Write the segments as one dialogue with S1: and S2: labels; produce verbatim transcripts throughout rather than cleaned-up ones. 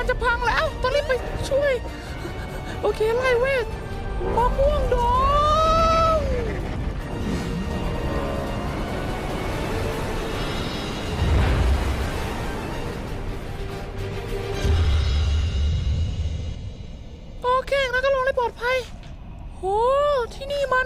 S1: จะพังแล้วต้องรีบไปช่วยโอเคไล่เวทมะม่วงดองโอเคงั้นก็ลงได้ปลอดภัยโอ้ที่นี่มัน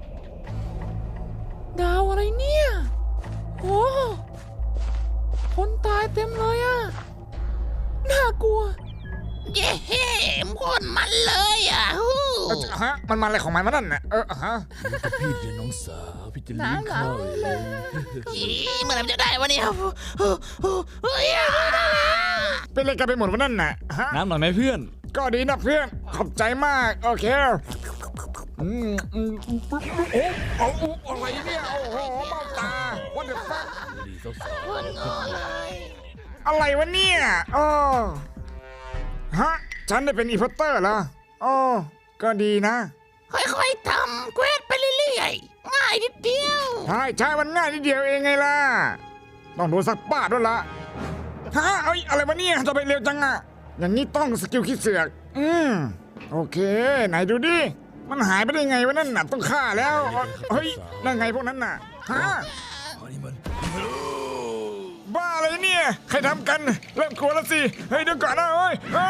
S1: ดาวอะไรเนี่ยโอ้คนตายเต็มเลยอะน่ากลัว
S2: เย้พ่นมันเลยอ่ะฮู้
S3: ฮะมันมาอะไรของมันวะนั่นน่ะเออฮะ
S4: พี่เลี้ยงน้องสาวพี่จะเลี้ยงข้าวเอง
S2: อีเมื่อไหร่มันจะได้วะเนี่ยเฮ้ย
S3: เป็นอะไรกันไปหมดวะนั่นน่ะฮะ
S4: น้ำหน่อยไหมเพื่อน
S3: ก็ดีนะเพื่อนขอบใจมากโอเคอืมอืมโอ้โอ้โอ้อะไรเนี่ยโอ้โหเบ้าตา what the fuck
S4: ดีสาว
S2: พ่นงอเลย
S3: อะไรวะเนี่ยโอ้ฮะฉันได้เป็นอีพอตเตอร์เหรอโอ้ก็ดีนะ
S2: ค่อยๆทำเควสไปเรื่อยๆง่ายนิดเดียว
S3: ใช่ใช่มันง่ายนิดเดียวเองไงล่ะต้องโดนสักป้าดด้วยละฮะเอ้ยอะไรวะเนี่ยจะไปเร็วจังอะอย่างนี้ต้องสกิลคิดเสือกอืมโอเคไหนดูดิมันหายไปได้ไงวะนั่นน่ะต้องฆ่าแล้วเฮ้ยนั่นไงพวกนั้นน่ะฮะ
S4: ๆอันนี้มัน
S3: บ้าอะไรเนี่ยใครทำกันเริ่มกลัวแล้วสิเฮ้ยเดี๋ยวก่อนนะเฮ้ยอ้า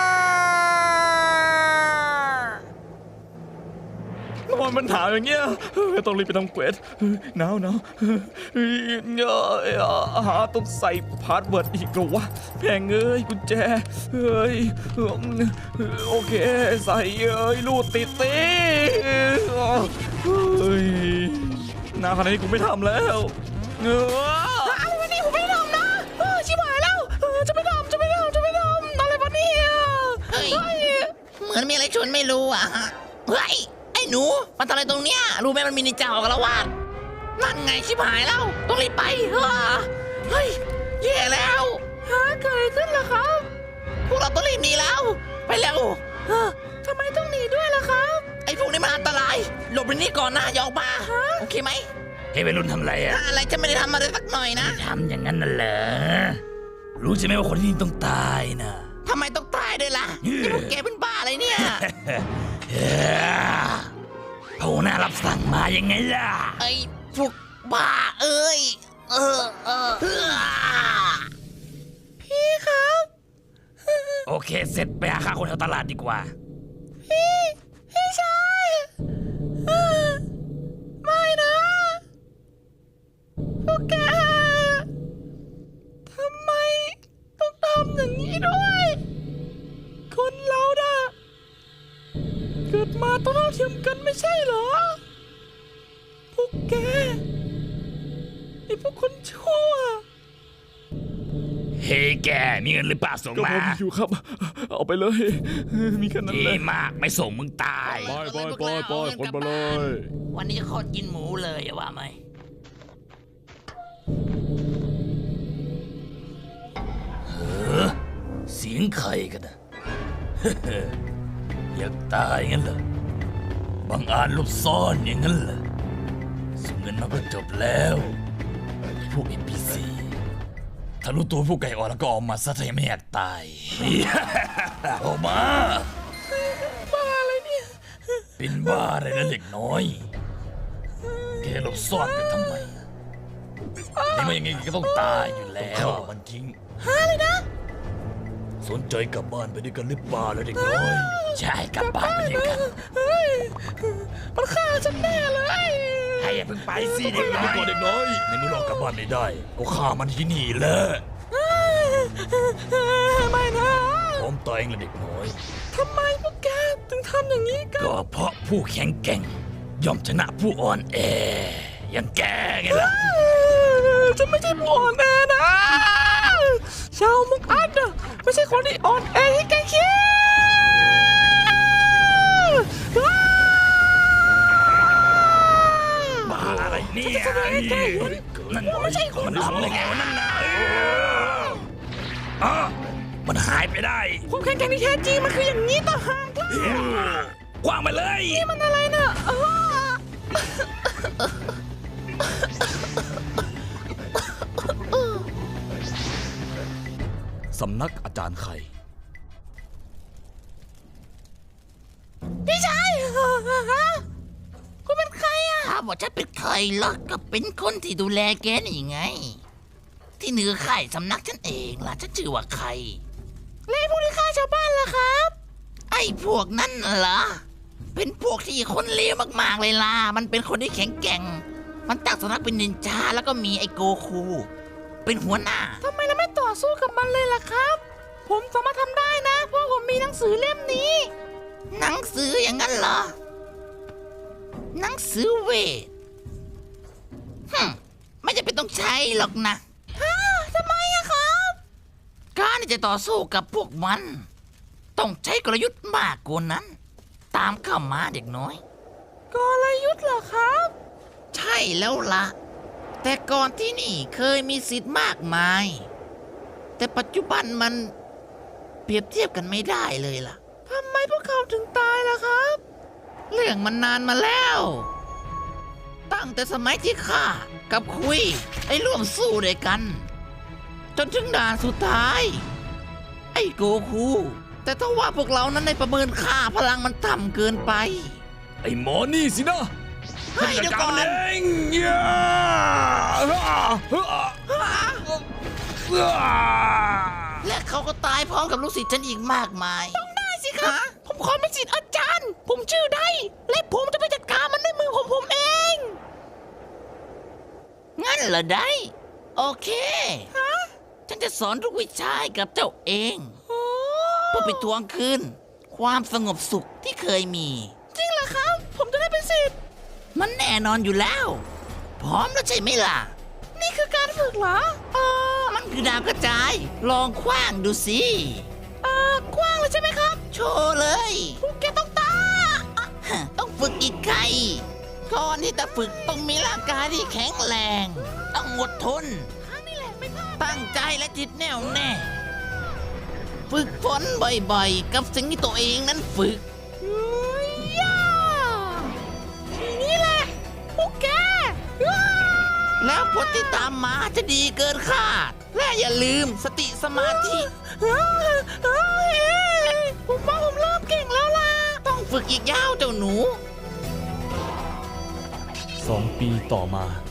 S4: ทำไมมันถามอย่างเงี้ยต้องรีบไปทำเควสหนาวหนาวหาต้องใส่พาสเวิร์ดอีกเหรอวะแพงเอ้ยกุญแจเฮ้ยโอเคใส่เอ้ยลูดติดตีเฮ้ยหนาวขนาดนี้กูไม่ทำแล้วเงอ
S1: อะไรวะนี่ผมไม่ได้ทำนะเออชิบหายแล้วเออจะไม่ทำจะไม่ทำจะไม่ทำอะไรวะเนี่ย
S2: เฮ้ยเหมือนมีอะไรชวนไม่รู้อ่ะฮะเฮ้ยไอ้หนูมันทำอะไรตรงเนี้ยรู้ไหมมันมีนินจาออกละวาดนั่นไงชิบหายแล้วต้องรีบไปเฮ้อเฮ้ยแย่แล้ว
S1: ฮะเกิดอะไรขึ้นล่ะครับ
S2: พวกเราต้องรีบหนีแล้วไปเร็ว
S1: เออทำไมต้องหนีด้วยล่ะครับ
S2: ไอ้พวกนี้มันอันตรายหลบไปนี่ก่อนนะอย่าออกมาโอเคไหม
S4: เฮ้ยวัยรุ่นทำอะไรอ่ะ
S2: อะไรจะไม่ได้ทำอะไรสักหน่อยนะ
S4: ทำอย่างนั้นน่ะเหรอรู้ใช่ไหมว่าคนที่นี่ต้องตายนะ
S2: ทำไมต้องตายด้วยล่ะนี่พวกแกเป็นบ้าอะไรเนี่ย
S4: โผล่หน้ารับสั่งมายังไงล่ะ
S2: ไอ้พวกบ้าเอ้ยเออเออเออ
S1: พี่ครับ
S4: โอเคเสร็จไปหาข้าวคนแถวตลาดดีกว่า
S1: พี่พี่ชายเออไม่นะพวกแกทำไมต้องทำอย่างนี้ด้วย คนเราน่ะเกิดมาต้องเท่าเทียมกันไม่ใช่เหรอ พวกแกไอ้พวกคนชั่ว
S4: เฮ้ยแกมีเงินหรือเปล่าส่ง
S5: ก็
S4: มา
S5: ผมอยู่ครับ เอาไปเลย มีแค่นั้น
S4: ดี
S5: เลย
S4: มากไม่ส่งมึงตาย
S5: ไปไปไปไปคนมาเลย
S2: วันนี้จะขอกินหมูเลยอะว่าไหม
S4: เสียงใครกันนะ อยากตายงั้นเหรอบังอาจหลบซ่อนอย่างนั้นเหรอส่งเงินมาก็จบแล้วไอ้พวก เอ็น พี ซี ถ้ารู้ตัวพวกไก่อ่อนแล้วก็ออกมาซะถ้ายังไม่อยากตาย ออกมา
S1: บ้าอะไรเนี่ย
S4: เป็นบ้าอะไรนะเด็กน้อย แกหลบซ่อนกันทำไมนี่มันยังไงก็ต้องตายอยู่แล้วมันทิ้ง
S1: ฮะเลยนะ
S4: สนใจกลับบ้านไปด้วยกันหรือเปล่าแล้วเด็กน้อย ใช่กลับบ้านไปด้วยกัน
S1: เฮ้ยมันฆ่าฉันแน่เลย
S4: ให้อย่าเพิ่งไปสิเด็กน้อยเด็กน้อยในเมื่อเรากลับบ้านไม่ได้ก็ฆ่ามันที่นี่แหละ
S1: ไม่นะ
S4: พร้อมตายเองละเด็กน้อย
S1: ทำไมพวกแกถึงทำอย่างนี้กัน
S4: ก็เพราะผู้แข็งแกร่งย่อมชนะผู้อ่อนแออย่างแกไงล่ะ
S1: ฉันไม่ใช่ผู้อ่อนแอนะชาวมุกอัดอะไม่ใช่คนที่อ่อนแอที่แกคิด
S4: บ้าอะไรเนี่ยนั่นไม่ใช่คนมันทำได้ไงวะนั่นนะอ๋อมันหายไปได้
S1: ความแข็งแกร่งที่แท้จริงมันคืออย่างนี้ต่างหากล่ะ
S4: กว้างไปเลย
S1: นี่มันอะไรน่ะอ้อ
S4: สำนักอาจารย์ไข่
S2: ามว่าฉันเป็นใครล่ะก็เป็นคนที่ดูแลแกนี่ไง ที่เหนือข่ายสำนักฉันเองล่ะฉันชื่อว่าใคร
S1: แล้วพวกที่ฆ่าชาวบ้านล่ะครับ
S2: ไอ้พวกนั้นเหรอ เป็นพวกที่คนเลวมากๆเลยล่ะ มันเป็นคนที่แข็งแกร่ง มันตั้งสำนักเป็นนินจาแล้วก็มีไอ้โกคู เป็นหัวหน้า
S1: ทำไมเราไม่ต่อสู้กับมันเลยล่ะครับ ผมสามารถทำได้นะ เพราะผมมีหนังสือเล่มนี้
S2: หนังสืออย่างนั้นเหรอ หนังสือเวทฮึมไม่จะเป็นต้องใช้หรอกนะ
S1: ฮะทำไมอะครับ
S2: การที่จะต่อสู้กับพวกมัน ต้องใช้กลยุทธ์มากกว่านั้น ตามเข้ามาเด็กน้อย
S1: กลยุทธ์เหรอครับ
S2: ใช่แล้วละแต่ก่อนที่นี่เคยมีสิทธิ์มากมาย แต่ปัจจุบันมันเปรียบเทียบกันไม่ได้เลยล่ะ
S1: ทำไมพวกเขาถึงตายล่ะครับ
S2: เรื่องมันนานมาแล้ว ตั้งแต่สมัยที่ข้ากับคุยไอ้ร่วมสู้ด้วยกัน จนถึงด่านสุดท้าย ไอ้โกคู แต่ถ้าว่าพวกเรานั้นได้ประเมินค่าพลังมันต่ำเกินไป
S5: ไอ้หมอนี่สินะ
S2: เฮ้ยเดี๋ยวก่อน
S5: เองย่า
S2: และเขาก็ตายพร้อมกับลูกศิษย์ฉันอีกมากมาย
S1: ได้สิครับ ผมขอเป็นศิษย์อาจารย์ ผมชื่อได้ และผมจะไปจัดการมันด้วยมือของผมเอง
S2: งั้นเหรอได้ โอเค ฉันจะสอนทุกวิชาให้กับเจ้าเอง เพื่อไปทวงคืนความสงบสุขที่เคยมี
S1: จริงเหรอครับ ผมจะได้เป็นศิษย์
S2: มันแน่นอนอยู่แล้ว พร้อมแล้วใช่ไหมล่ะ
S1: นี่คือการฝึกเหรอ เออ
S2: มันคือดาวกระจาย ลองคว้างดูสิ
S1: เออกว้างเลยใช่ไหมครับ
S2: โชว์เลย
S1: พวกแกต้องตาย
S2: ฮะต้องฝึกอีกไกลก่อนที่จะฝึกต้องมีร่างกายที่แข็งแรง ต้องอดทน
S1: ครั้งนี้แหละไม่พลาด
S2: ตั้งใจและจิตแน่วแน่ ฝึกฝนบ่อยๆ กับสิ่งที่ตัวเองนั้นฝึก
S1: เฮ้ยย่าทีนี้แหละ พวกแกอ้า
S2: แล้วผลที่ตามมาจะดีเกินคาด และอย่าลืมสติสมาธิ
S1: เฮ้ยเฮ้ยผมว่าผมเริ่มเก่งแล้วล่ะ
S2: ต้องฝึกอีกยาวเจ้าหนู
S5: สองปีต่อมา